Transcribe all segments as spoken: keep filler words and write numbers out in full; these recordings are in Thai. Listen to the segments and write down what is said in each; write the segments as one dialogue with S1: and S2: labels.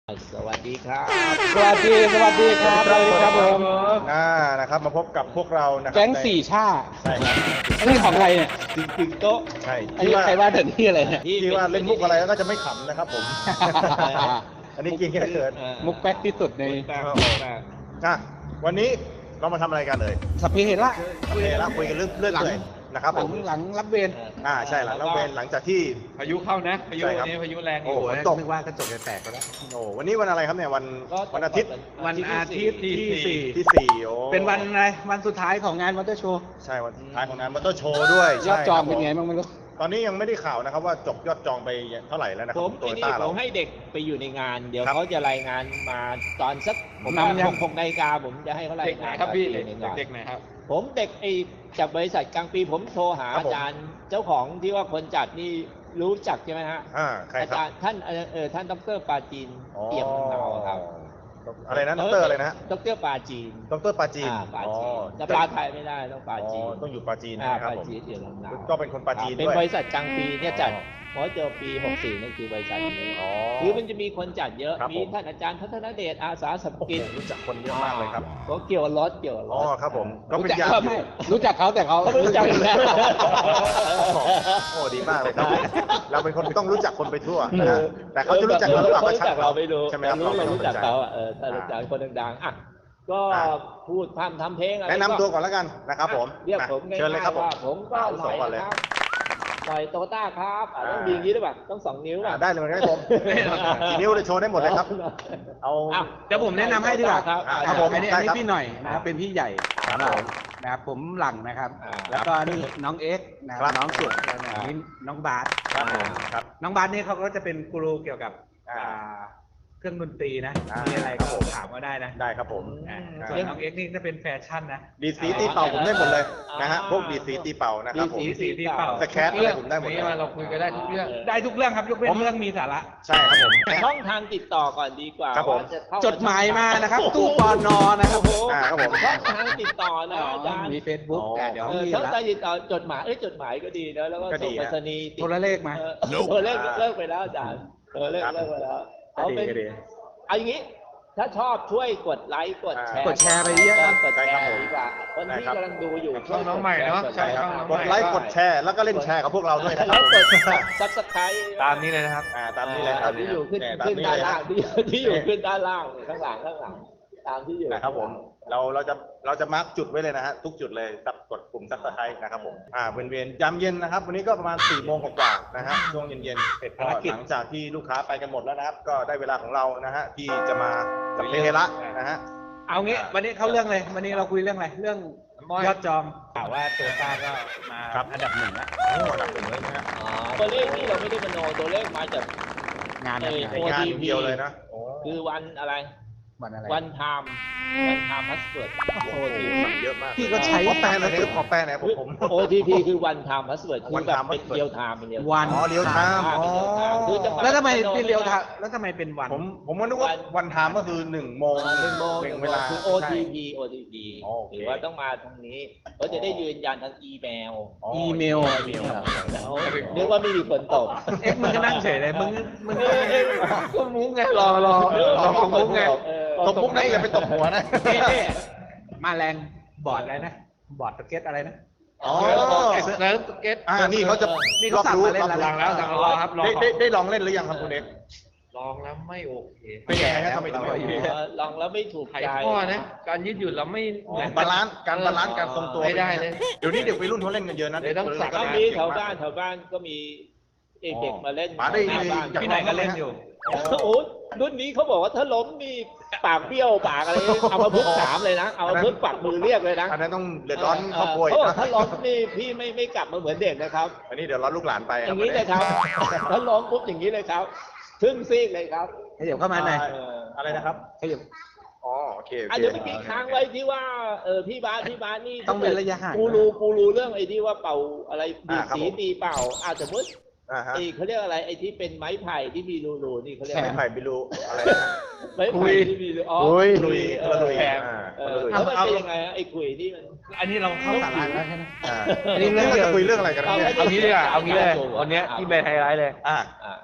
S1: สวัสดีครับ
S2: สวัสดีสวัสดีครับสวัสดีครับผม
S3: อ่านะครับมาพบกับพวกเรานะครับ
S2: แก๊งสี่ชา
S3: ใช่ครับ
S2: อันนี้ของใครเนี่ย
S1: ตึงตึงโต๊ะ
S3: ใช่
S2: อัน
S3: ที่
S2: นี้
S3: ว่า
S2: ใครว่าแต่นี่อะไรเนี่ย
S3: ที่ว่าเล่นมุกอะไรแล้วก็จะไม่ขำนะครับผม อันนี้กินแค่เกิด
S2: มุกแป๊กที่สุดใน
S1: แปลกแปลก
S3: อ่ะวันนี้เรามาทำอะไรกันเลย
S2: สพเพเหระ
S3: โอเคแล้วคุยกันเรื่องเรื่องเลยนะครับ
S2: ห
S3: ผ
S2: ลัง
S3: ม
S2: หลังรับเวร
S3: อ่าใช่หลังแล้วเป็นหลังจากที่
S4: พายุเข้านะพายุ
S3: ใช่ครับ
S4: วันนี้พายุแรงอ
S3: โอ้
S4: ยู่
S3: โหฝนตก
S2: นึกว่ากระจกจะแตกก็แล้ว
S3: โอ้วันนี้วันอะไรครับเนี่ยวัน
S1: ก็
S3: วันอาทิตย์
S2: วันอาทิตย์ที่สี่
S3: ที่สี่โอ้
S2: เป็นวันอะไรวันสุดท้ายของงานมอเตอร์โชว์
S3: ใช่วันท้ายของงานมอเตอร์โชว์ด้วย
S2: ยอดจอง
S3: ใช่
S2: เป็นไง
S3: ครับ
S2: บ้างไม่รู้
S3: ตอนนี้ยังไม่ได้ข่าวนะครับว่าจบยอดจองไปเท่าไหร่แล้วนะค
S1: ผ
S3: รับ
S1: ม
S3: โต
S1: ไอ้
S3: โย
S1: นี่
S3: ต้า
S1: ผ
S3: เรา
S1: มให้เด็กไปอยู่ในงาน เดี๋ยว
S3: ครับ
S1: เขาจะรายงานมาตอนสักผม
S2: นำยัง
S1: หกหกนาฬิกาผมจะให้เขาราย
S4: เด็กไหน
S1: งาน
S4: ครับพี่
S1: อ
S4: เด็ก
S1: ยู่ในงาน
S4: เด็กไหนครับ
S1: ผมเด็กไอ้จากบริษัทกลางปีผมโทรหา
S3: ครับ
S1: อา
S3: ผม
S1: จารย์เจ้าของที่ว่าคนจัดนี่รู้จักใช่ไหมฮะ
S3: อ่าใคร
S1: อา
S3: ครับ
S1: จารย์ท่านเออเออท่านดรปาจีนเอี่ยมเนาครับ
S3: อะไรนะดรอะไรนะฮะ
S1: ดรปาจีน
S3: ดรปาจีน
S1: อ่าปา
S3: อ๋อ
S1: จีนแต่ปลาไทยไม่ได้ต้องปลาจีน
S3: อ๋อต้องอยู่ปาจีน
S1: อ่า
S3: นะครับ
S1: ปา
S3: ผม
S1: จีนเอี่ยมลำนาว
S3: ก็เป็นคนปาจีน
S1: เป็น
S3: ด้วย
S1: บริษัทกลางปีเนี่ยจัด
S3: อ๋อ
S1: หมอเจอปีหกสี่นั่นคือบริษัทนี้
S3: อ๋อ
S1: คือมันจะมีคนจัดเยอะ
S3: ครับ
S1: มี
S3: ผม
S1: ท่านอาจารย์พัฒนเดชอาสาสม
S3: โอ้โห
S1: กิจ
S3: รู้จักคนเยอะมากเลยครับ
S1: ก็เกี่ยวกับรถเกี่ยวกับร
S3: อ๋อ
S1: ถ
S3: ครับผมก็
S2: รู้
S3: เป็น
S2: จัก
S3: ญา
S2: เขา
S3: ติอยู่
S2: รู้จักเขาแต่เขา
S1: เขาไม่รู้จักอยู่แล้ว
S3: โอ้ดีมากเลยครับ เราเป็นคนต้องรู้จักคนไปทั่วนะฮะแต่เขาจะรู้จักเราหรือเปล่า
S1: เขารู้จักเราไม่รู้
S3: ใช่ไหม
S1: แต่
S3: ครับ
S1: รู้เรา
S3: ไม่
S1: รู้จัก
S3: สนใจ
S1: เขาอะเออถ้ารู้จักคนดังๆอ่ะก็
S3: อ่ะ
S1: พูดพร่ำทำเพลงอะไร
S3: แนะนำตัวก่อนแล้วกันนะครับผม
S1: เรียก
S3: อ่ะ
S1: ผมง่าย
S3: เชิญเลยครับ
S1: ๆ
S3: ผม
S1: ว่าผมก็
S3: อ่ะ
S1: หน่อย
S3: ก่อนเลย
S1: นะครับหน่อยโตต้าครับอ่ะต้อง
S3: อ่า
S1: ดีอย่างนี้ด้วยป่ะต้องสองนิ้ว
S3: อ่ะ
S1: ป่ะ
S3: ได้เลยครับผมกี่นิ้วเลยโชว์ได้หมดเลยครับ เอา
S1: อ้าว
S2: เดี๋ยวผมแนะนำให้ดีกว่า
S1: ครับ
S3: อ่ะ
S2: ครับผมอันนี้
S3: ได้
S2: อันนี้
S3: ครับ
S2: พี่หน่อยนะครับเป็นพี่ใหญ่
S3: ครับ
S2: ของเรา
S3: ผม
S2: นะครับผมหลังนะครับ
S1: อ่า
S2: แล้วก็นี่น้องเอ็กซ์นะค
S3: ครั
S2: รับบ น้องสุดแล้วนะ
S1: อ่า
S2: นี่น้องบาส
S3: ครับผมครับ
S2: น้องบาสนี่เขาก็จะเป็นกูรูเกี่ยวกับ
S3: อ่า
S2: อ่าเครื่องดนตรีนะ
S3: อ่ามี
S2: มีอะไร
S3: ครั
S2: ก็
S3: บผม
S2: ถามก็ได้นะ
S3: ได้ครับผม
S2: อ่า
S3: อ่า
S2: ส่วนน้องเอ็กซ์นี่จะเป็นแฟชั่นนะ
S3: ดีดสีตีเป่าผมได้หมดเลยนะฮะ
S1: อ่า
S3: พวกดีดสีตีเป่านะครับผม
S1: ดี
S2: สีที่เป่า
S3: สแครปอะไรผมได้หมด
S4: นี้มาเราคุยกันได้ทุกเรื่อง
S2: ได้ทุกเรื่องครับยกเว้นเรื่องมีสาระ
S3: ใช่ครับผม
S1: ช่องทางติดต่อก่อนดีกว่า
S3: ครับผม
S1: ว่าจะเข้
S2: จดหมายมานะครับตู้ปอนอนะครับ
S1: โอ้โห
S3: อ่าครับผม
S1: ช่องทางติดต่อนะอาจารย์
S2: มี Facebook
S3: อ๋อ
S2: แต่เดี๋ยว
S1: เออ
S2: มี
S1: ช่อง
S2: ละ
S1: ทางติดต่อจดหมายเอ้ยจดหมายก็ดีนะแล้วก็
S3: ก็ดี
S1: ส่งไปร
S3: ฮะ
S1: ษณีย์ติด
S2: โทรเลขมา
S1: เออโทรเลขเลิกไปแล้วอาจารย์เออเลิก
S3: ครับ
S1: เลิกไปแล้ว
S3: ก็
S1: เอา
S3: ดี
S1: เป็น
S3: ก็ดี
S1: เอาอย่างนี้ ถ้าชอบช่วยกดไลค์กดแชร์
S2: กดแชร์ไปเยอะครับ
S1: กดแช
S3: ใช่ครับ
S1: ร์
S3: ผม
S1: ดีกว่าคน
S3: ได้
S1: ที่
S3: ครับ
S1: กำลังดูอยู่
S4: ช่องน้องใหม่เนอะ
S1: กด
S4: ใช่
S1: แชร์
S4: ช่องน้อง
S3: กดไลค์กดแชร์แล้วก็เล่นแชร์กับพวกเราด้วยนะค
S1: แล้
S3: รับ
S1: วกดซับสไครต์
S4: ตามนี้เลยนะครับ
S3: อ่าตามนี้เลยครับ
S1: ที่อยู่ขึ้น
S3: เนี่ยตาม
S1: ขึ้น
S3: นี้
S1: ด้าน
S3: เลย
S1: ล่า
S3: นะ
S1: งที่ที่อยู่ขึ้นด้านล่างข้างหลังข้างหลังตามที่อยู่
S3: นะครับผมเราเราจะเราจะมาร์กจุดไว้เลยนะฮะทุกจุดเลยสับกดปุ่มซับสไครต์นะครับผมอ่าเวียนเวียนยามเย็นนะครับ วันนี้ก็ประมาณสี่โมงกว่าๆนะฮะช่วงเย็นๆเสร็จก็หลังจากที่ลูกค้าไปกันหมดแล้วนะครับ ก็ได้เวลาของเรานะฮะที่จะมากับเพลระนะฮะ
S2: เอางี้วันนี้เข้าเรื่องเลย วันนี้เราคุยเรื่องอะไรเรื่องยอดจองข่าวว่าโตต้าก็มา
S3: ครับ
S2: อันดับหนึ่งแล้ว
S3: โอ้ระดับหนึ่งเลยนะฮะ
S1: อ๋อตัวเลขที่เราไม่ได้มโนตัวเลขมาจาก
S2: งาน
S1: เอ่
S2: เนี่ย
S1: อ
S3: ในงานเดียวเลยนะโอ้
S1: คือวันอะไร
S2: วันอะไร
S1: วันไทม์วันไทม์พาสเวิร์ด
S3: โหเยอะมาก
S2: พี่ก็ใช้
S3: ขอแปลหน่อยขอแปลหน่อยผมผม
S1: โอ ที พี คือวันไทม์พาสเวิร์ดคือ
S3: One
S1: แบบ
S3: time
S1: เป็น
S3: password
S1: เรียลไทม์เป็นเรียล
S2: วัน
S3: อ๋อเรียวไทม์อ๋อ
S2: แล้วทำไมเป็นเรียวทาแล้วทำไมเป็นวัน
S3: ผมผมก็นึกว่าวันไทม์ก็คือหนึ่งโมง
S1: หนึ่งโมง
S3: หนึ่งเวลา
S1: คือ โอ ที พี โอ ที พี
S3: อ๋อโอเค
S1: หรือว่าต้องมาทางนี้ก็จะได้ยืนยันทางอีเมล
S2: อีเมล
S1: อีเมลนึกว่าไม่มีฝนตก
S2: เอ็กซ์มึงก็นั่งเฉยเลยมึงมึง
S1: เออเออ
S2: ก็มุ้งไงรอรอรอมุ้งไง
S1: เออ
S3: ตบมุกนะอย่าไปตบหัวนะ
S2: เอ๊ะเอ๊ะมาแรงบอร์ดอะไรนะบอร์ดสเก็ตอะไรนะ
S3: อ๋อ
S4: เซิร์ฟสเก็ต
S3: อ่านี่เขาจะ
S2: นี่เขาสั่งมาเล่นแล้ว
S4: สั่งแล้วสั่งแล้วรอครับรอ
S3: ได้
S4: ก่อน
S3: ได้ได้ลองเล่นหรือยังครับคุณเอ็กซ์
S4: ลองแล้วไม่โอเค
S3: เป็นยังไงครับทำไมถึงไม่โอเค
S1: เออลองแล้วไม่ถูก
S4: ไข
S1: ใจ
S4: ข้อนะ การยืดหยุ่นเราไม่
S3: อ๋อ
S4: เหมือน
S3: บาลานซ์การบาลานซ์การทรงตัว
S4: ไม่ได้เลย
S3: เดี๋ยวนี้เด็กวัยรุ่นเขาเล่นกันเยอะนะ
S4: เดี๋ยวต้องสัก
S1: ก็มีแถวบ้านแถวบ้านก็มีเด็กๆมาเล่น
S3: ป๋าได้
S1: หน้าบ้าน
S3: อยาก
S2: พี่ไหนก็เล่นอยู่
S1: โอ้โหรุ่นนี้เขาบอกว่าถ้าล้มนี่ปากเบี้ยวปากอะไรเอามาพึกษ์สามเลยนะ เอามาพึกษ์ปักมือเรียกเลยนะ
S3: อันนั้นต้องเดือดร้อนครอบครัวอี
S1: เขา
S3: ก
S1: บอก
S3: นะ
S1: ถ้าล้มนี่พี่ไม่ไม่กลับมาเหมือนเด็กนะครับ
S3: อันนี้เดี๋ยวร้อนลูกหลานไป
S1: อย่างนี้เลยครับถ้าล้มปุ๊บอย่างนี้เลยครับครึ่งซีกเลยครับ
S2: ขยับเข้ามาหน่อย
S1: เออ
S3: อะไรนะครับ
S2: ขยับ
S3: อ๋อโอเคโอ
S1: อ่ะ
S3: เค
S1: เดี๋ยวเมื่อกี้ค้างไว้ที่ว่าเออพี่บ้านพี่บ้านนี่
S2: ต้องเว้นระยะห่าง
S1: กูรู้กูรู้เรื่องไอ้ที่ว่าเป่าอะไรดี
S3: อ่าครับ
S1: สี
S3: ผม
S1: ตีเป่าอาสมมติ
S3: อ่าฮะ
S1: ไอ้เขาเรียกอะไรไอ้ที่เป็นไม้ไผ่ที่มีรูๆนี่เขาเรียก
S3: ไม่
S1: อะไร
S3: ไผ่บิลูอะไรนะ
S1: ไม้ไผ่ที่มีรูอ๋อ
S3: คุย
S1: คุ
S3: ลุย
S1: เอ
S3: คนละ
S1: อ
S3: ลุย
S1: แถม
S3: อ่า
S1: เอ
S3: คน
S1: อ
S3: ละลุย
S1: แล้วมันเป็นยังไงอะไอ้คุยที่มัน
S2: อันนี้เราเข้าสาระแล้วใช่ไหม
S3: อ่า
S2: อันนี้เรื่อง
S3: เรา
S2: เดียว
S3: จะคุยเรื่องอะไรกันเนี่ย
S4: เอางี้ดีกว่าเอางี้เลยวันเนี้ยที่เป็นไฮไลท์เลย
S3: อ่า
S1: อ่า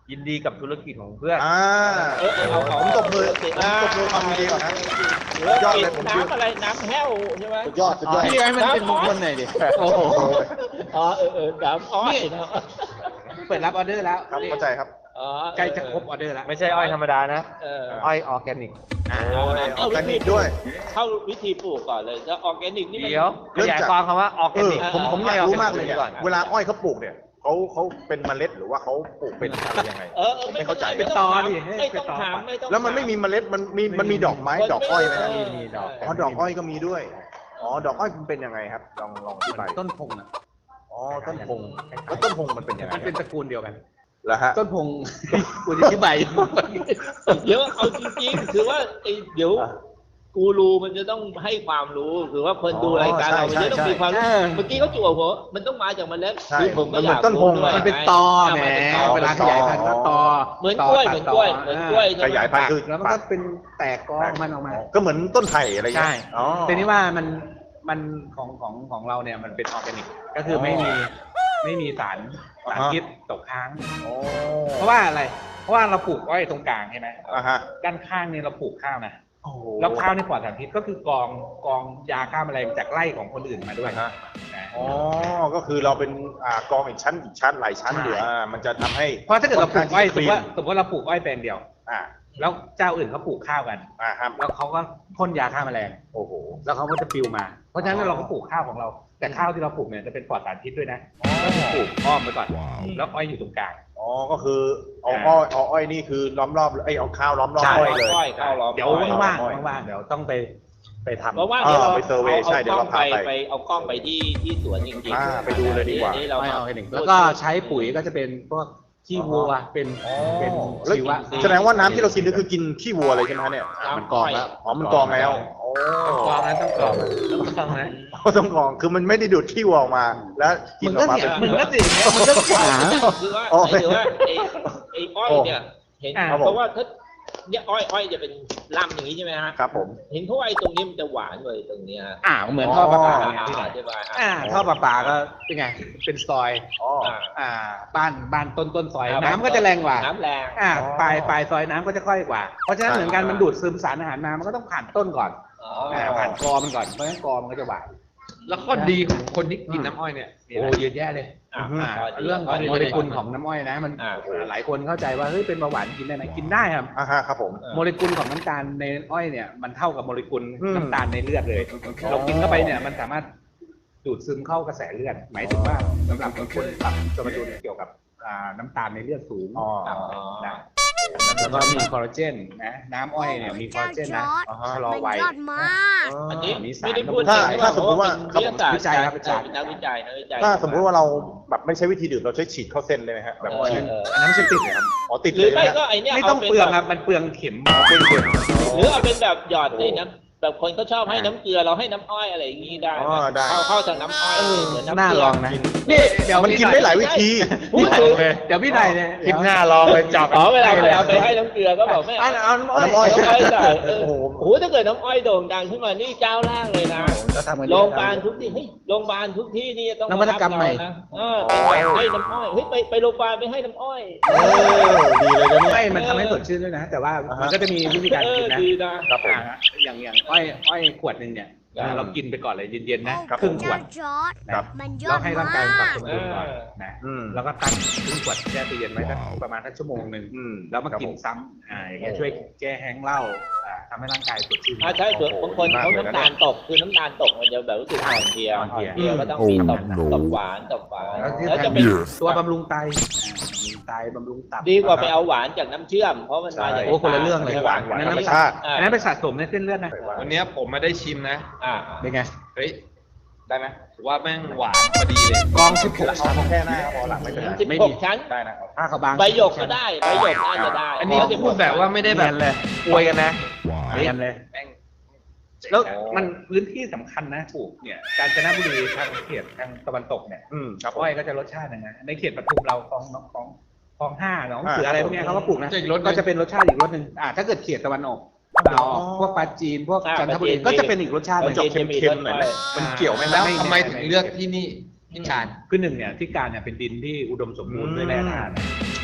S2: ยินดีกับธุรกิจของเพื่อน
S3: อ่า
S1: เออเออเอาเอา
S3: ผมตบมือผมตบมือความยินดีก่อนนะ
S1: หรือว่าย
S3: อดเลยผม
S1: น้ำอะไรน้ำแห้วใช่ไหม
S3: สุดยอดสุดยอด
S2: พี่ให้มันเป็นมงคลหน่อยดิ
S3: โอ้โห
S1: อ๋อเออเออน้ำอ้อยเนาะ
S2: เปิดรับออเดอร์แล้ว
S3: ครับเข้าใจครับ
S1: อ๋อ
S2: ใกล้จะครบออเดอร์แล้ว
S5: ไม่ใช่อ้อยธรรมดานะ
S1: เออ
S5: อ้อยออร์แกนิก
S3: โอ้ยออร์แกนิกด้วย
S1: เข้าวิธีปลูกก่อนเลยแล้วออร์แกนิกนี่มัน
S5: เดี๋ยวข
S3: เริ่ม
S5: ยาย
S3: จาก
S5: ความคำว่าออร์แก
S3: เออ
S5: นิก
S3: ผมผมอยากรู้มากเลยเนี่ย
S5: ก่อน
S3: เวลาอ้อยเขาปลูกเนี่ยเขาเขาเป็นเมล็ดหรือว่าเขาปลูกเป็นอะไรยังไง
S1: เออเออ
S3: ไม่เข้าใจ
S1: ไม่ต้องถามไม่ต้องถามไม่ต้อง
S3: แล้วมันไม่มีเมล็ดมันมีมันมีดอกไม้ดอกอ้อยไหมฮะ
S1: เ
S5: มีดอก
S3: อ๋อดอกอ้อยก็มีด้วยอ๋อดอกอ้อยมันเป็นยังไงครับลองลองอธิบาย
S2: ต้นพงอ่ะ
S3: อ๋อต้นพงแล้วต้นพงมันเป็นยังไง
S2: มันเป็นตระกูลเดียวกัน
S3: แล้วฮะ
S2: ต้นพง กูจะอธิบาย
S1: เดี๋ยวเอาจริงๆคือว่าไอ้เดี๋ยวกูรูมันจะต้องให้ความรู้คือว่าคนดูรายการเรามันจะต้องมีความรู้เมื่อกี้เขาจั่วหัวมันต้องมาจากเมล็ด
S3: ใช่
S1: คือผมก็
S3: มัน
S1: อ
S3: เหมื
S1: ยา
S3: อก นต้นพง
S1: รู้ด้วย
S2: มันเป็นตอแหม
S1: มันเป็นตอ
S2: เวลาขยายพันธุ์ก็ตอ
S1: เหมือนกล้วยเหมือนกล้วยเหมือนกล้วย
S3: ขยายพันธุ์คือ
S2: แล้วมันก็เป็นแตกกอมันออกมา
S3: ก็เหมือนต้นไผ่อะไรอย่าง
S2: ใช่
S3: เงี้ยอ๋อ
S2: ทีนี้ว่ามันมันของของของเราเนี่ยมันเป็นออร์แกนิก ก็คือไม่มีไม่มีสารสารพิษตกค้าง
S3: โอ้
S2: เพราะว่าอะไร เพราะว่าเราปลูกอ้อยตรงกลางใช่ไหม
S3: อ่าฮะ
S2: ด้านข้างเนี่ยเราปลูกข้าวนะ
S3: โอ้โห
S2: แล้วข้าวนี่ปลอดสารพิษก็คือกองกองยาฆ่าแมลงจากไร่ของคนอื่นมาด้วย
S3: อ่าฮะ
S2: นะ
S3: อ๋อ ก็คือเราเป็นอ่ากองอีกชั้นอีกชั้นหลายชั้นอยู่อ่ามันจะทำให้
S2: เพราะถ้าเกิดเราปลูกอ้อยสมมติ
S3: ค่น
S2: ว่า
S3: ข้ง
S2: สมมติว่าเราปลูกอ้อยแปลงเดียว
S3: อ่า
S2: แล้วเจ้าอื่นเขาปลูกข้าวกัน
S3: อ่าครับ
S2: แล้วเขาก็พ่นยาฆ่าแมลง
S3: โอ้โห
S2: แล้วเขาก็จะปลิวมา เพราะฉะนั้นเราก็ปลูกข้าวของเรา แต่ข้าวที่เราปลูกเนี่ยจะเป็นปลอดสารพิษด้วยนะก็คือปลูกอ้อมไปก่อน แล้วอ้อยอยู่ตรงกลาง
S3: อ๋อ ก็คือเอาอ้อยเอาอ้อยนี่คือล้อมรอบไอ้ยเอาข้าวล้อมรอบ
S2: ใช่
S3: อ้อยเลย
S1: ก้อยข้าวล้อม
S2: เดี๋ยว
S1: ก้อย
S2: ว่าง
S3: อ้อย
S2: ๆว่างๆเดี๋ยวต้องไปไปทำ
S1: เพราะว่าเดี๋ยวเรา
S3: ไปเซอร์เวย์
S1: เอา
S3: ใช่เดี๋ยว
S1: กล้
S3: เรา
S1: อง
S3: พา
S1: ไป
S3: ไป
S1: ไปเอากล้องไปที่ที่สวนจริง
S3: อ่าไปดูเลยดีกว่า
S1: นี่เรา
S2: ไม่
S1: มา
S2: เอาให้หนึ่งแล้วก็ใช้ปุ๋ยก็จะเป็นพวกขี้วัวเป็นเป็น
S3: แล้ว
S2: ชีวะ
S3: แสดงว่าน้ำที่เรากินก็คือกินขี้วัวเลยใช่ไหมฮะเนี่ย
S2: มันกรองแล้ว
S3: อ๋อ มันกรองแล้วโอ้
S5: กรองนะต้องกรองต้องกรองนะ
S3: ต้องกรอง คือมันไม่ได้ดูดขี้วัวออกมา แล้วกิน
S2: มึง
S3: ออ
S2: ก็
S3: กมา
S2: เสีย
S3: เป็น
S2: มึงก็เสียอย่างเงี้ยมึงก็หา
S1: คือว่า
S3: โอ้
S1: หรือว่าไอ้ไอ้อ้อยเนี่ยเห็น
S2: อ่า
S1: เพราะว่าถ้าเนี่ยอ้อยอ้อยจะเป็นลำอย่างนี้ใช่ไหมฮะ
S3: ครับผม
S1: เห็นเขาไอ้ตรงนี้มันจะหวานเลยตรงเนี้ยฮะ
S2: อ่าเหมือนท่อประปา
S3: อ๋อ
S2: ไงที่ไหน
S1: อธิบาย
S2: อ่าท่อประปาก็เป็นไง เป็นซอย
S3: อ๋อ
S1: อ่า
S2: อ่าบ้านบ้านต้นต้นซอย
S1: อ่า
S2: น้ำก็จะแรงกว่า
S1: น้ำแรง
S2: อ่า
S3: อ๋อ
S2: ปลายปลายซอยน้ำก็จะค่อยกว่า เพราะฉะนั้น
S3: ใช่
S2: เหมือนกันมันดูดซึมสารอาหารมามันก็ต้องผ่านต้นก่อน
S1: อ๋อ
S2: อ่าผ่านกอมันก่อนเพราะฉะนั้นกอมันก็จะหวาน
S4: แล้วข้อดีของคนที่กินน้ำอ้อยเนี่ยมี
S2: โอ้
S4: อะไร
S2: เยอะแยะเลย
S1: อ่า
S2: อ่า
S1: ข้ดี
S2: เรื่องของ
S1: ข้ดี
S2: โมเลกุลของน้ำอ้อยนะมัน
S1: อ่า
S2: หลายคนเข้าใจว่าเฮ้ยเป็นเบาหวานกินได้ไหมกินได้ครับ
S3: อ่าฮะครับผม
S2: โมเลกุลของน้ำตาลในอ้อยเนี่ยมันเท่ากับโมเลกุล
S3: อืม
S2: น้ำตาลในเลือดเลย เรากินเข้าไปเนี่ยมันสามารถดูดซึมเข้ากระแสเลือด หมายถึงว่าสำหรับบางคนปรับสมดุลเกี่ยวกับอ่าน้ำตาลในเลือดสูง
S3: อ๋อ
S2: ต่ำนะแล้วก็มีคอลลาเจนนะน้ำอ้อยเนี่ยมีคอลลาเจนนะ
S3: อ่าฮะ
S2: ชะลอ
S6: มัน
S2: วัย
S6: ยอดมาก
S1: อันนี้
S2: มีสาร
S1: ไม่ได้พูด
S3: ถ้า
S1: ถึง
S3: ถ้าสมมุติว่า
S1: เพระเป็นวิทยาศาสตร์
S2: วิจัยครับวิจัย
S1: เออนักวิจัยนักวิจัย
S3: ถ้าสมมุติว่าเราแบบไม่ใช้วิธีดื่มเราใช้ฉีดเข้าเส้นเลยไหมฮะแบบ
S1: เออ
S3: ฉีด
S1: เออ
S2: อันนั้นไม่ใช่ติดเลยครับ
S3: อ๋อติด
S1: ห
S3: เล
S1: รือย ไม่
S3: นะ
S1: ก็ไอเนี้ย
S2: ไม่ต้อง
S1: าป็น
S2: เปลือง
S1: แบบ
S2: ครับมันเปลืองเข็ม
S3: เป็นเดือน
S1: หรือเอาเป็นแบบหยอดในน้ำแบบคนเขาชอบให้น้ำเกลือเราให้น้ำอ้อยอะไรอย่างงี้ได้
S3: อ๋อได้
S1: เข้าเข้าจากน้ำอ้อยเหมือนน้ำ
S2: น่า
S1: เกลื
S2: ลองนะนี่เดี๋ยว
S3: มันกินได้หลายวิธี
S1: พูดถึง
S2: เดี๋ยวพี่นายเนี่ย
S5: คลิปหน้าลองไปจับ
S1: อ๋อเวลาเวลาไปให้น้ำเกลือก็บอกไม่
S2: เอา
S1: เอา
S2: เอาน้ำอ้อย
S3: น้ำอ้อย
S1: น้ำอ้อยใส่เออ
S3: โอ้โห
S1: โอ้โหถ้าเกิดน้ำอ้อยโด่งดังขึ้นมานี่เจ้าแรกเลยนะ
S2: ก็ทำกัน
S1: โรงพยาบาลทุกที่เฮ้ยโรงพยาบาลทุกที่นี่ต้อง
S2: นวัตกรรมใหม่
S1: นะเออเป็นแบบให้น้ำอ้อยเฮ้ยไปไปโรงพยาบาลไปให้น้ำอ้อย
S3: เออดีเลยนะเนี่ย
S2: ไม่มันทำให้สดชื่นด้วยนะ แต่ว่ามันก็จะมีวิธีการ
S1: เอ
S2: กิ
S1: อน
S2: นะ
S1: ดีนะครับ
S3: ผม
S2: อ่าอย่างอย่างอ้อยอ้อยขวดหนึ่งเนี่ย
S1: ครับ
S2: เรากินไปก่อนเลยเย็นๆนะ
S3: ครับ
S2: ครึ่งขว
S6: เจ้า
S2: ด
S6: จอร์ด
S3: ครับ
S6: มันยอ
S2: เรา
S6: ด
S2: ให้
S6: มา
S2: ร่างกายปรับ
S6: ก
S2: สมดุลก่อนนะ
S3: อืม
S2: แล้วก็ตั้งครึ่งขวดแช่ตู้เย็นไว้สักประมาณสักชั่วโมงหนึ่ง
S3: อืม
S2: แล้วมา
S3: ครับ
S2: กิน
S3: ผ
S2: ซ้ำอ่าอย่างเงี้ยช่วยแก้แห้งค์เหล้าอ่าทำให้ร่างกายสดชื่น
S1: อ่าใช่ส่วนบางคนเขาน้ำตาลตกคือน้ำตาลตกมันจะแบบรู้สึกอ่อนเพลีย
S2: อ่อนเพลีย
S1: เพลียก็ต้องมีตกตกหวานตกหวาน
S2: แล้วที่
S1: แล้วจะ
S2: สำคัญ
S1: เป็น
S2: ตัวบำรุงไตอ่าบำรุงไตบำรุงตับ
S1: ดีกว่าไปเอาหวานจากน้ำเชื่อม เพราะมันมาจาก
S2: โอ้คนละเรื่องเลย
S1: ใช่
S3: ห
S1: ปะ
S3: วานหวาน
S2: อัน
S3: ธ
S2: นั้
S3: ร
S2: น
S3: รมชาติ
S2: อันนั้นไปสะสมในเส้นเลือดนะ
S4: วันเนี้ยผมมาได้ชิมนะ
S1: อ่า
S2: เป็นไง
S4: เฮ้ย
S3: ได้ไหม
S4: ถือว่าแม่งหวานพอดีเลย
S2: กองสิบหก
S3: เอา
S2: ชั้น
S3: แค่หน้าพอหลังไม่เป็นไร
S1: สิบ
S2: ไม่
S1: ห
S2: มี
S1: กชั้น
S3: ได้นะครับ
S2: ผ้าขาวบาง
S1: ใบหยกก็ได้ใบหยกน่าจะได้
S4: อันนี้พูดแบบว่าไม่ได้แบบ
S2: เนียนเลย
S4: อวยกันนะ
S2: เรียนเลย
S4: แม่ง
S2: แล้วมันพื้นที่สำคัญนะปลูกเนี่ยกาญจนบุรีทางเขตทางตะวันตกเนี่ย
S3: อืมครับผม
S2: อ้อยก็จะรสชาติหนึงนะในเขตปทุมเราคลองคลองคลองห้าหนองเสือ
S3: อ่า
S2: อะไรพวกเนี้ยเขาก็ปลูกนะ
S4: จะอีกรสหนึ่ง
S2: ก็จะเป็นรสชาติอีกรสหนึ่งอ่าถ้าเกิดเขตตะวันออกเราพวกปลาจีนพวก
S1: อ่า
S2: จันทบุรี
S1: ปลาจีน
S2: ก็จะเป็นอีกรสชาติห
S3: มั
S2: นึ่
S3: น
S2: ง
S3: จะเค็มๆหน่อยไหมมันเกี่ยวไหม
S4: แล้ว
S2: ไม่
S4: ทำไม
S2: ไม่
S4: ถึงเลือกที่นี่ที่การ
S2: คือหนึ่งเนี่ยที่การเนี่ยเป็นดินที่อุดมสมบูรณ์ด้วยแร่ธาตุ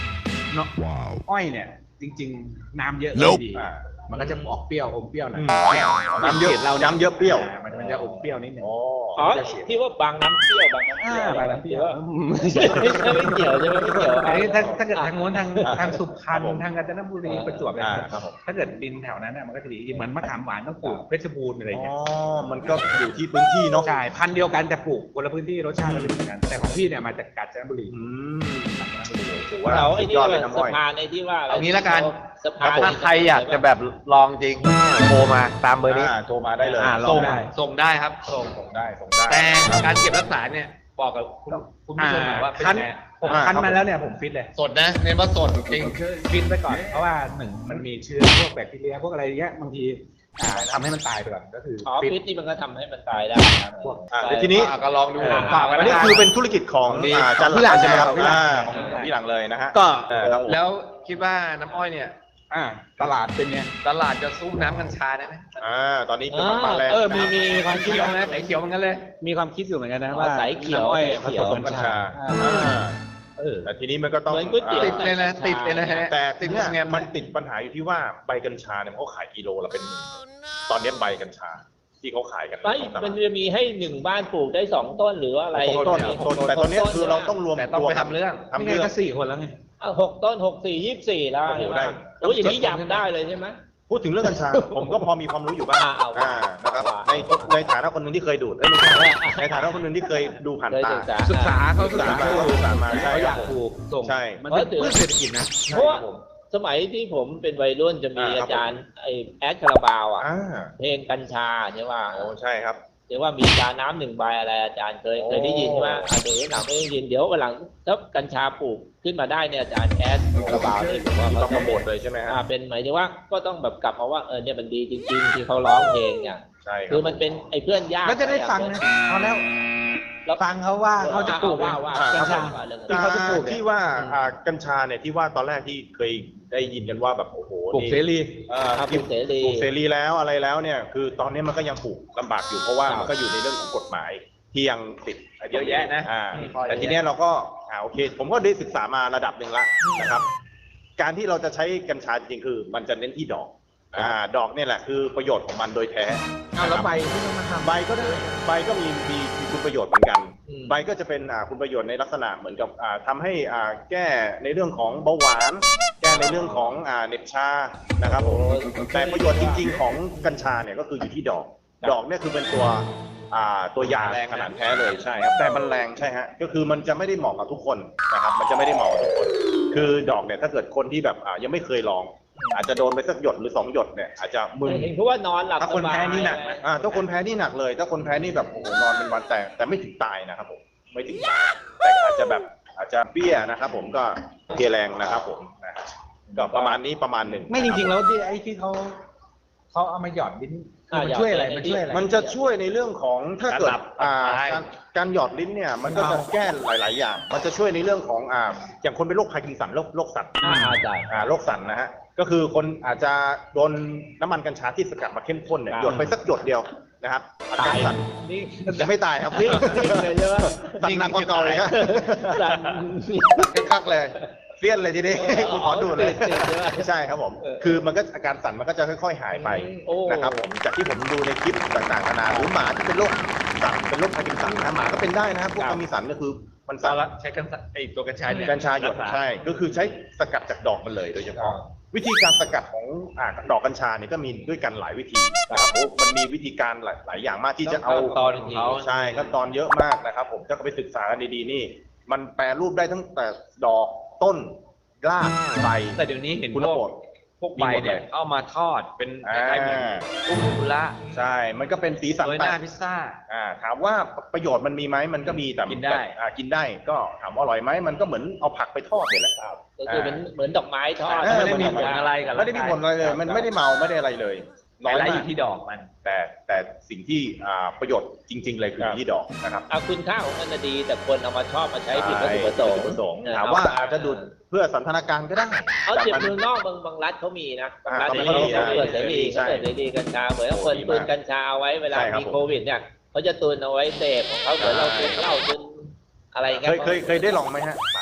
S2: เนาะอ้อยเนี่ยจริง ๆ น้ำเยอะก็ไม่ดี
S3: อ่า
S2: มันก็จะออกเปรี้ยวอมเปรี้ยวหน่อย
S3: น้ำเยอะ
S2: เรา
S3: น้ำเยอะเปรี้ยว
S2: มันมันจะอมเปรี้ยวนิดนึง
S3: อ๋อ
S1: อ๋อที่ว่าบางน้ำเปรี้ยวบางน้ำเปรี้ยว
S2: อ่าบางน้ำเปรี้ยว
S1: ไม่ใช่ไม่ใช่ไม่เกี่ยวใช่ไหมไม่เกี่ยว
S2: อันนี้ถ้าถ้าเกิดทางโน้นทาง
S3: อ่า
S2: ทางสุพรรณ
S3: ครับผม
S2: ทางกาญจนบุรีประจวบอะไร
S3: อ่า
S2: เงี้ย
S3: ครับผม
S2: ถ้าเกิดดินแถวนั้นน่ะมันก็จะดีเหมือนมะขามหวานต้องปลูกเพชรบูรณ์อะไร
S3: อ๋อ
S2: เงี้ย
S3: มันก็อยู่ที่พื้นที่เนาะ
S2: ใช่พันธุ์เดียวกันแต่ปลูกคนละพื้นที่รสชาติก็ไม่เหมือนกันแต่ของพี่เนี่ยมาจากกาญจนบุรี
S3: อืมถือว่า
S1: เราไอ้
S3: สุด
S1: นี่
S3: ยอด
S1: ว่า
S3: เลยน้ำ
S1: สะ
S3: อ้อย
S1: พานไอ้ที่ว่า
S5: เอางี้ละกัน
S1: สะพาน
S5: ถ้าใครอยากจะแบบลองจริงโทรมาตามเบอร์นี้
S3: อ่าโทรมาได้เลย
S2: อ่าลอ
S4: ส่
S2: ง
S4: ง
S2: ได้
S4: ส่งได้ครับส่ง
S3: ส่งได้ส่งได้
S4: แต่การเก็บรักษาเนี่ยบอกกับคุณคุณผู้ชมหน่อยว่าเป็น
S2: คั้น
S4: ไง
S2: ผม
S3: อ่า
S2: คั้น
S3: ครับ
S2: มาแล้วเนี่ยผมฟิตเลย
S4: สดนะเน้นว่าสดจริง
S2: ฟิตไปก่อนเพราะว่าหนึ่งมันมีเชื้อพวกแบคทีเรียพวกอะไรเงี้ยบางทีอ่าทำให้มันตายไปก่อนก็คือ
S1: อ๋อ
S2: ฟิต
S1: ฟิตนี่มันก็ทำให้มันตายได้นะ
S2: พวก
S3: อ่าแล้วทีนี้
S4: อ่ะก็ลองดู
S2: อ่าฝากไว้
S3: อันนี้คือเป็นธุรกิจของ
S4: ดี
S3: อ่าจัน
S2: พี่หลัง
S3: ใช่ไหมครับ
S2: พี่หลัง
S3: อ่าของพี่หลังเลยนะฮะ
S2: ก็
S3: เออครับผม
S4: แล้วคิดว่าน้ำอ้อยเนี่ย
S2: อ่าตลาดเป็นไง
S4: ตลาดจะสู้น้ำกัญชาได้ไหม
S3: อ่าตอนนี้เป็นมาแรง
S2: เออมีมีมีความคิด
S4: เขียวนะแต่เขียวเหมือนกันเลย
S2: มีความคิดอยู่เหมือนกันนะ
S1: อ๋อ
S2: ว่า
S1: สายเขียว
S2: น้ำอ้อยผ
S1: เขี
S2: ส
S1: ยว
S2: ม
S3: กั
S2: กั
S3: ญ
S2: ญ
S3: ชา
S2: ชา
S3: อ่า
S2: เออ
S3: แต่ทีนี้มันก็ต้อง
S1: เหมือนก๋วยเตี๋ยว
S4: ติดเลยนะติดเลยนะฮะ
S3: แต่
S4: ติ
S3: ที
S4: ด
S3: เนี้ย
S4: ไง
S3: มันติดปัญหาอยู่ที่ว่าใบกัญชาเนี่ยเขาขายกิโลละเป็นหมื่นตอนนี้ใบกัญชาที่เขาขายกัน
S1: ไม่
S3: ของตลาด
S1: มันจะมีให้หนึ่งบ้านปลูกได้สองต้นหรือว่าอะไร
S3: ต้นต้นแต่ตอนนี้คือเราต้องรวม
S4: แต่ต้อง
S3: ตัว
S4: ไปทำเรื่อง
S3: ทำ
S2: ไม่ไง
S3: เรื่อง
S2: ก็สี่คนแล้วไง
S1: อ่ะหกต้นหกสี่ยี่สิบสี่แล้ว
S3: โอ้โห
S1: ใช่ไหม
S3: ได้
S1: โอ้ยอย่างนี้ยำได้เลยใช่ไหม
S3: พูดถึงเรื่องกัญชา ผมก็พอมีความรู้อยู่บ้าง
S1: อ่าเอาว่า
S3: อ่านะครับ
S1: ว่า
S3: ในในฐานะคนหนึ่งที่เคยดูดเอ้ยไม่ใช่ในฐานะคนหนึ่งที่เคยดูผ่าน
S1: เคย
S3: ตา
S1: ศึกษา
S2: ศึกษาเขา
S3: ศึ
S2: ศึ
S3: ก
S2: ก
S3: ษา
S2: ษา
S3: มาศึกษามาใช่
S2: เขาอ
S3: ครั
S2: ยา
S3: บ
S2: ก
S3: ผม
S2: ปลูกส่ง
S3: ใช่
S2: มันเป็นพืชเศรษฐกิจนะ
S1: เพราะว่า
S3: ใช่ครับผม
S1: สมัยที่ผมเป็นวัยรุ่นจะมี
S3: อ่าครับ
S1: อาจารย์ไอแอดคาราบาวอ่ะ
S3: อ่า
S1: เพลงกัญชาใช่ว่า
S3: โอ้ใช่ครับ
S1: เดี๋ยวว่ามีชาน้ำหนึ่งใบอะไรอาจารย์เคย
S3: โอ้
S1: เคยได้ยินใช่ไหมอ่ะเดี๋ยวหลังไม่ได้ยินเดี๋ยววันหลังถ้ากัญชาปลูกขึ้นมาได้เนี่ยอาจารย์แอดคาราบาวเนี่ยผมว่า
S3: ที่
S1: เขา
S3: ต้องโปรโมทเลยใช่ไหมฮะ
S1: อ่าเป็นหมายถึงว่าก็ต้องแบบกลับมาว่าเออเนี่ยมันดีจริง ๆ ที่เขาร้องเพลงเนี่ย
S3: ใช่ครั
S1: คือมันเป็นไอ้เพื่อนยาก
S2: แล้วจะได้ฟังนะเอาแล้ว
S1: แล้ว
S2: ฟังเขาว่าเขาจะปลูก
S1: ว่าว่า
S3: อ่า
S2: กัญชา
S1: ว่าเรื่อง
S2: ที่เขาจะปลูกเนี่ย
S3: ที่ว่าอ่ากัญชาเนี่ยที่ว่าตอนแรกที่เคยได้ยินกันว่าแบบโอ้โห
S2: ปลูก
S3: นี่
S2: เสรี
S3: เอ่อ
S1: ครับปลูกเสรี
S3: ปลูกเสรีแล้วอะไรแล้วเนี่ยคือตอนนี้มันก็ยังปลูกลำบากอยู่เพราะว่า
S1: ครับ
S3: มันก็อยู่ในเรื่องของกฎหมายที่ยังติด
S4: เยอะแยะนะ
S3: อ่า
S4: มีข้อเยอะแยะ
S3: แต่ทีเนี้ยเราก็อ่าโอเค ผมก็ได้ศึกษามาระดับหนึ่งละนะครับ การที่เราจะใช้กัญชาจริงๆคือมันจะเน้นที่ดอกอ่าดอกเนี่ยแหละคือประโยชน์ของมันโดยแท้
S2: เอาแล้วใบที่ต้องมาทำ
S3: ใบก็ได้ใบก็มีมีมีคุณประโยชน์เหมือนกัน
S1: อืม
S3: ใบก็จะเป็นอ่าคุณประโยชน์ในลักษณะเหมือนกับอ่าทำให้อ่าแก้ในเรื่องของเบาหวาน แก้ในเรื่องของอ่าเหน็บชานะครับผมแต่ประโยชน์จริง ๆ ของกัญชาเนี่ยก็คืออยู่ที่ดอก ดอกเนี่ยคือเป็นตัวอ่าตัวยา
S4: แรงนะ
S3: ขนาดแท้เลยใช่ครับแต่มันแรงใช่ฮะก็คือมันจะไม่ได้เหมาะกับทุกคนนะครับมันจะไม่ได้เหมาะกับทุกคน คือดอกเนี่ยถ้าเกิดคนที่แบบอ่ายังไม่เคยลอง อาจจะโดนไปสักหยดหรือสองหยดเนี่ยอาจจะมึน
S1: เห็นเขาว่านอนหลับ
S3: ถ้าคน
S1: สบย
S3: แพ้นี่หนักนะอ่าถ้าคนแพ้นี่หนักเลย ถ้าคนแพ้นี่แบบโอ้โหนอนเป็นวันแต่แต่ไม่ถึงตายนะครับผมไม่ถึงตายแต่อาจจะแบบอาจจะเปี้ยนะครับผมก็เพลียแรงนะครับผมนะฮะก็ประมาณนี้ประมาณหนึ่ง
S2: ไม่จริงๆแล้วที่ไอ้ที่เขาเขาเอามาหยอดลิ้นมันช่วยอะไรมันช่วยอะไร
S3: มันจะช่วยในเรื่องของถ้าเกิด
S4: การหลับ
S3: อ่า
S4: หลับ
S3: การการหยอดลิ้นเนี่ยมันก็จะแก้หลาย ๆ อย่าง มันจะช่วยในเรื่องของอ่าอย่างคนเป็นโรคพาร์กินสันโรคโรคสัน
S1: อ่าอาจารย์
S3: อ่าโรคสันนะฮะก็คือคนอาจจะโดนน้ำมันกัญชาที่สกัดมาเข้มข้นเนี่ย
S1: ครับ
S3: หยดไปสักหยดเดียวนะครับอาการสั่น
S1: นี่
S3: ยังไม่ตายครับ
S1: นี่เลยใช่ไหม
S3: สั่นหนักกว่าเก่าเลยครับ
S1: สั่น
S3: คักๆเลยเฟี้ยนเลยทีนี้ คุณขอดูเลย
S1: ติดๆใช่ไหม
S3: ไม่ใช่ครับผม
S1: เออ
S3: คือมันก็อาการสั่นมันก็จะค่อย ๆ หายไป
S1: โอ้
S3: นะครับผมจากที่ผมดูในคลิปต่างๆนานาหรือหมาที่เป็นโรคสั่นเป็นโรคพาร์กินสันนะหมาก็เป็นได้นะครับพวกพาร์กินสันก็คือมัน
S4: สา
S3: สั่น
S4: ระใช้กันไอตัวกัญชาเนี่ย
S3: กัญชาหยดใช่ ก็คือใช้สกัดจากดอกมันเลยโดยเฉพาะ วิธีการสกัดของอ่าดอกกัญชาเนี่ยก็มีด้วยกันหลายวิธีนะครับโอ้มันมีวิธีการหลายหลายอย่างมากที่จะเอา
S1: ขั้นตอนของเขา
S3: ใช่ขั้นตอนเยอะมากนะครับ ผมถ้าไปศึกษากันดีๆนี่ มันแปรรูปได้ตั้งแต่ดอกต้นรากใบ
S4: แต่เดี๋ยวนี้เห็น
S3: คุณ
S4: พว
S3: โปร
S4: ก
S3: ด
S4: พวกใบเนี่ยเอามาทอดเป็นคล้ายๆเหมือนกุ้งกุละ
S3: ใช่ มันก็เป็นสีสัน
S4: โรยห
S3: แปล
S4: น้าก พิซซ่า
S3: อ่าถามว่าประโยชน์มันมีไหมมันก็มีแต่
S4: กินได้
S3: อ่ากินได้ก็ถามว่าอร่อยไหมมันก็เหมือนเอาผักไปทอดเนี่ยแหละครับ
S1: ก็คือเหมือนเหมือนดอกไม้ทอด
S3: เออ
S4: ไม่ได้มีผลอะไรกับ
S3: ไม่ได้มีผลอะไรเลย มันไม่ได้เมาไม่ได้อะไรเลย
S4: น้อย
S3: มาก
S4: อยู่ที่ดอกมัน
S3: แต่แต่สิ่งที่อ่าประโยชน์จริง ๆ เลยคืออยู่ที่ดอกนะครับ
S1: เอาคุณค่าของมันน่ะดี แต่คนเอามาชอบมาใช้ผิดวัตถุประสงค์
S3: ผิดวัตถุประสงค์
S1: เออ
S3: ถามว่าอาจจะดูดเพื่อสันทนาการก็ได้
S1: เอา
S3: แต่
S1: เจ็บ
S3: มัน
S1: เมืองนอกบางบางรัฐเขามีนะบางรัฐ
S3: อ่า
S1: เขา
S3: เขามี
S1: เขาเปิดเสรี
S3: ใช่
S1: เขาเปิดเสรีกัญชาเหมือนกับคน
S3: โอ้ดีมาก
S1: ตุนกัญชาเอาไว้เวลา
S3: ใช่ครับ
S1: มีโควิดเนี่ยเขาจะตุนเอาไว้เสพของเขาเหมือนเราตุนเหล้าตุนอะไรอย่าง
S3: เค
S1: เงี้
S3: ยเคยเคยได้ลองไหมฮะป๋า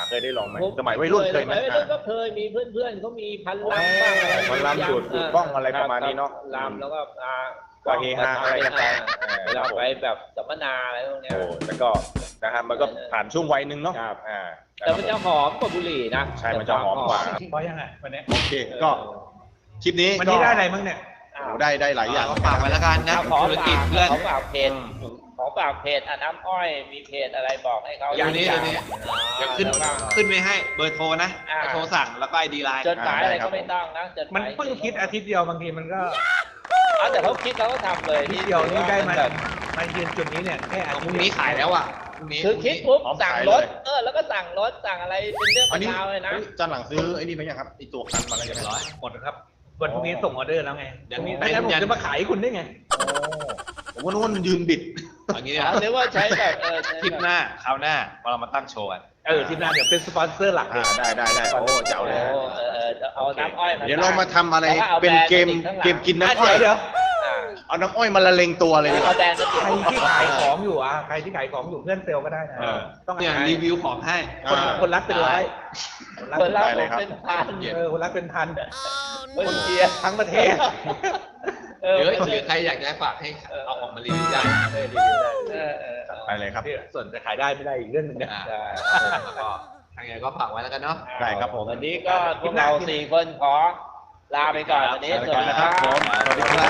S3: เคยได้ลองไหมสมัยวัยรุ่นเคยไหม
S1: สมัยวัยรุ่นก็เคยมีเพื่อนๆเขามีพันลำบ้างอะไร
S3: พันลำดูดดูดบ้องอะไรประมาณนี้เนาะ
S1: ลำแล้วก็อ่า
S3: ก็เฮฮาอะไรกันไป
S1: เวลาไปแบบสัมมนาอะไรพวกเนี้ย
S3: โอ้แล้วก็นะครับมันก็ผ่านช่วงวัยหนึ่งเนาะ
S1: ครับ
S3: อ่า
S1: แต่มันจะหอมกว่าบุหรี่นะ
S3: ใช่มันจะหอมกว่า
S2: เพราะยังไงวันนี้
S3: โอเคก็คลิปนี้
S2: วัน
S3: ก็
S2: นี้ได้อะไรบ้างเนี่ย
S1: อ้า
S3: โอ้
S1: ว
S3: ได้ได้หลายอย่าง
S5: ก็ฝากไว้แล้วกันนะ
S1: ขอ
S5: ธุร
S1: ฝา
S5: กิจ
S1: ก
S5: เพื่อน
S1: ขอฝากเพจขอฝากเพจอ่ะน้ำอ้อยมีเพจอะไรบอกให้เขา
S5: อย่างนี้อย่างนี้ เดี๋ยวขึ้น
S1: แล้วก็
S5: ขึ้นไปให้เบอร์โทรนะ
S1: อ่า
S5: โทรสั่งแล้วก็ไอดีไลน์
S1: จดหมายอะไรก็ไม่ต้องนะจดห
S2: มัน
S1: มาย
S2: เพิ่งคิดอาทิตย์เดียวบางทีมันก็
S1: เอาแต่เขาคิดแล้วก็ทำเลย
S2: อาทิตย์เดียวนี่ได้มา
S1: แบบ
S2: มายืนจุดนี้เนี่ยแค่อา
S5: เอาพ
S2: ทิต
S5: รุ่ง
S2: ย์
S5: นี้ขายแล้วอ่ะพรุ่งนี้
S1: คือคิดปุ๊บ
S3: พร้อม
S1: สั่ง
S3: ขาย
S1: รถ
S3: เลย
S1: เออแล้วก็สั่งรถสั่งอะไรเป็นเรื่อง
S3: อันนี้
S1: เป็นราวเลยนะ
S3: จานหลังซื้อไอ้นี่ไหมยังครับไอ้ตัวคันมาแล้วใช่ไหม
S5: ร้อย
S2: หมดแล้วครับวันพรุ่งนี้ส่งออเดอร์แล้วไง
S5: เดี๋ยว
S2: พรุ่งนี้
S5: ไป
S2: ไม่งั้นผม
S5: ยัน
S2: จะมาขายให้คุณได้ไง
S3: โอ้ผมว่านู่นยืนบิด
S5: อย่างนี้
S1: อ๋อ
S5: นะ
S1: นึกว่าใช้แบบเออใช้
S5: ทริป
S1: แบบ
S5: หน้าคราวหน้าเรามาตั้งโชว์กัน
S2: เออทีมงานเดี๋ยวเป็นสปอนเซอร์หลักเล
S3: อ่าย ได้ได้ได้โอ้เจ๋วเลย
S1: โอ้เออเออเอาน้ำอ้อยมา
S3: เดี๋ยวเรามาทำอะไร
S1: แล้วอา
S3: เป็น
S1: แบรด์
S3: เกม
S1: ติดข้างหลัง
S3: เกมกินน้ำอ้
S2: เดี๋
S3: อย
S2: วย เดี๋ยว
S1: อ่า
S3: เอาน้ำอ้อยมาละเลงตัวเลยดีก
S1: เอา
S3: ว่า
S1: แบรนด์มาติด
S2: ใครที่ขายของอยู่อ่ะใครที่ขายของอยู่เพื่อนเซลล์ก็ได้นะ
S3: เออ
S2: ต้อง
S5: เนี่ย
S2: หา
S5: รีวิวของให้
S2: คน
S3: อ่า
S2: คนรักเป็นร้อยคนรัก
S1: คน
S2: เป็น
S1: ละ
S3: ได้เลยครับ
S1: เป็นพัน
S2: เออคนรักเป็นพัน
S1: คนเชียร์
S2: ทั้งประเทศ
S1: เออ
S5: หรือ
S1: เป็น
S5: หรือใครอยากจะฝากให้เอาออกมารีวิวได้
S2: เออรีวิวได้
S1: เออเออเออ
S3: ไปเลยครับ
S2: ส่วนจะขายได้ไม่ได้อีกเรื่องหนึงนะ
S5: อ่า
S1: ได้
S5: ก็ทางไงก็ฝากไว้แล้วกันเนาะ
S3: ได้ครับผม
S1: วันนี้ก็พวกเราสี่คนขอลาไปก่อนวันนี้
S3: ลา
S1: ส
S3: ไปก่
S1: วั
S3: อ
S1: ส
S3: น
S1: ดี
S3: นะ
S1: ค
S3: ครั
S1: รั
S3: บบ ผมสวัสดีครับ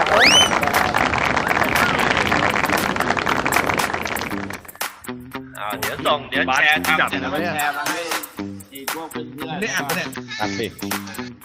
S1: อ้าวเดี๋ยวส่งเดี๋ยวแชร์ทำเสร็จแล้วก็แชร์มาให้ทีพวกเพื่อนๆ
S2: นี่อ่านปะเนี่ย
S3: อ่ะสิ